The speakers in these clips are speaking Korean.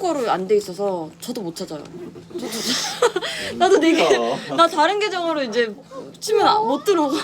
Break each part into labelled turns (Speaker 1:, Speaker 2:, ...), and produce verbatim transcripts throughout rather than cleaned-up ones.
Speaker 1: 한국어로 안 돼 있어서 저도 못 찾아요. 저도 나도 되게 나 다른 계정으로 이제 치면 아- 못 들어가.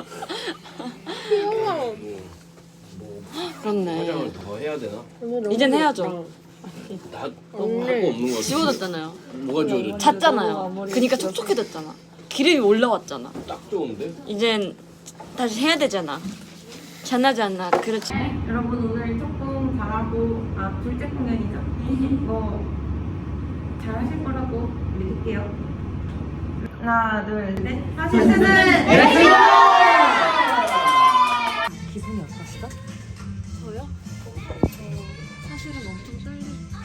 Speaker 1: 그렇네.
Speaker 2: 화장을 더 해야 되나?
Speaker 1: 이젠 해야죠.
Speaker 2: 나 너무 할거 없는 거 같아.
Speaker 1: 지워졌잖아요.
Speaker 2: 뭐가 지워졌지?
Speaker 1: 잤잖아요. 그니까 촉촉해졌잖아. 기름이 올라왔잖아.
Speaker 2: 딱 좋은데?
Speaker 1: 이젠 다시 해야 되잖아. 잔나지 않나. 그렇지.
Speaker 3: 여러분 오늘 조금 잘하고 아 둘째 공연이죠. 뭐 잘하실 거라고 믿을게요. 하나 둘 셋. 하실 때는
Speaker 4: 기분이 어떠시죠?
Speaker 1: 저요? 사실은 엄청 떨려.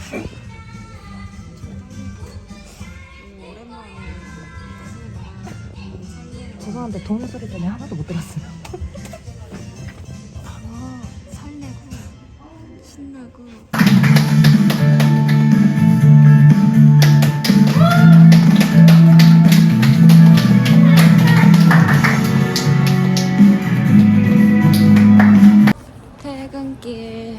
Speaker 4: 죄송한데 동요 소리 때문에 하나도 못 들었어요.
Speaker 1: 설레고 신나고. 퇴근길.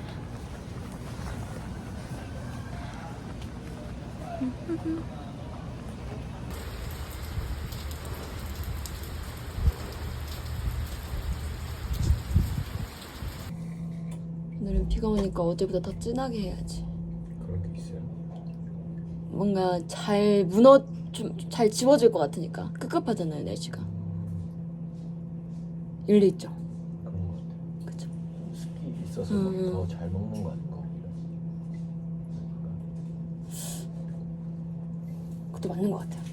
Speaker 1: 오늘은 비가 오니까 어제보다 더 진하게 해야지.
Speaker 2: 그런 게 있어요?
Speaker 1: 뭔가 잘 무너 좀 잘 지워질 것 같으니까 급급하잖아요 날씨가. 일리 있죠.
Speaker 2: 그런 거 같아.
Speaker 1: 그쵸.
Speaker 2: 습기 있어서
Speaker 1: 음.
Speaker 2: 더 잘 먹는 거 아닌가?
Speaker 1: 그것도 맞는 것 같아요.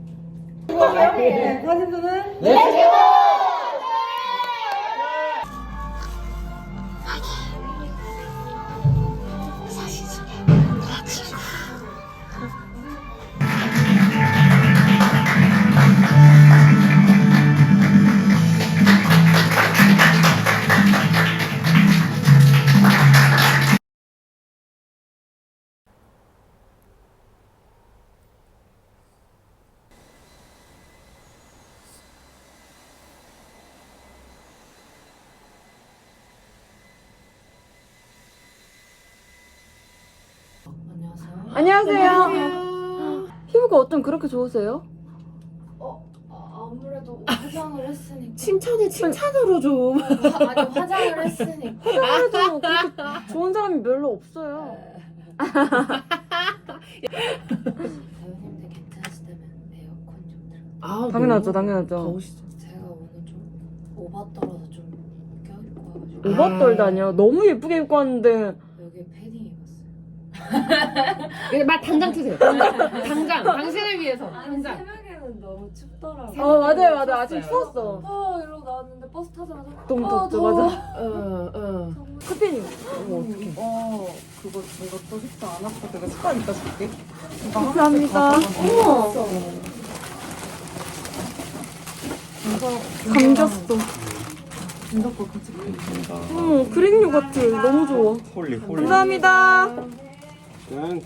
Speaker 5: 안녕하세요.
Speaker 1: 안녕하세요. 피부가 어쩜 그렇게 좋으세요?
Speaker 5: 아무래도 화장을 했으니까.
Speaker 4: 칭찬해 칭찬으로 좀.
Speaker 5: 화, 아니 화장을 했으니까.
Speaker 1: 그래도 그렇게 좋은 사람이 별로 없어요.
Speaker 5: 배우님들 괜찮으시다면 에어컨 좀 틀어.
Speaker 4: 아,
Speaker 1: 당연하죠,
Speaker 4: 너무
Speaker 1: 당연하죠.
Speaker 4: 더우시죠.
Speaker 5: 제가 오늘 좀 오바 떨어서 좀 껴입고 와가지고
Speaker 1: 오바 떨다니요. 너무 예쁘게 입고 왔는데
Speaker 5: 여기에 패딩 입었어요.
Speaker 4: 네, 말 당장 트세요. 당장, 당장 당신을 위해서 당장.
Speaker 5: 새벽에는 너무 춥더라고.
Speaker 1: 어 맞아요 맞아요 아침 추웠어.
Speaker 5: 아 이러고 나왔는데 버스 타자마자
Speaker 1: 너무
Speaker 5: 아,
Speaker 1: 덥죠
Speaker 5: 더워.
Speaker 1: 맞아.
Speaker 4: 어, 어.
Speaker 1: 커피님
Speaker 4: 어머 어떡해.
Speaker 3: 어 그거 이것도 쉽지 않았어. 되게 습관 있다 싶게.
Speaker 1: 감사합니다. 어머 감겼어.
Speaker 3: 진짜거 같이.
Speaker 1: 어머 그릭 요거트 너무 좋아.
Speaker 2: 홀리 홀리.
Speaker 1: 감사합니다.
Speaker 2: 땡큐.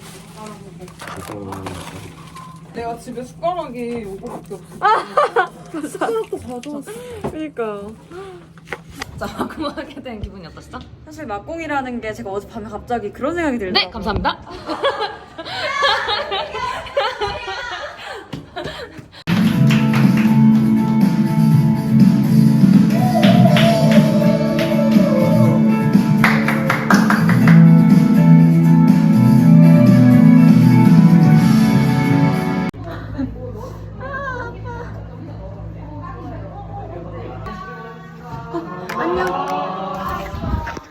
Speaker 3: 내가 집에 숟가락이 요거밖에 없어.
Speaker 4: 숟가락도 가져왔어.
Speaker 1: 그러니까.
Speaker 5: 자 막공하게 된 기분이 어떠시죠?
Speaker 1: 사실 막공이라는 게 제가 어젯밤에 갑자기 그런 생각이 들더라고요.
Speaker 5: 네 감사합니다.
Speaker 1: 안녕.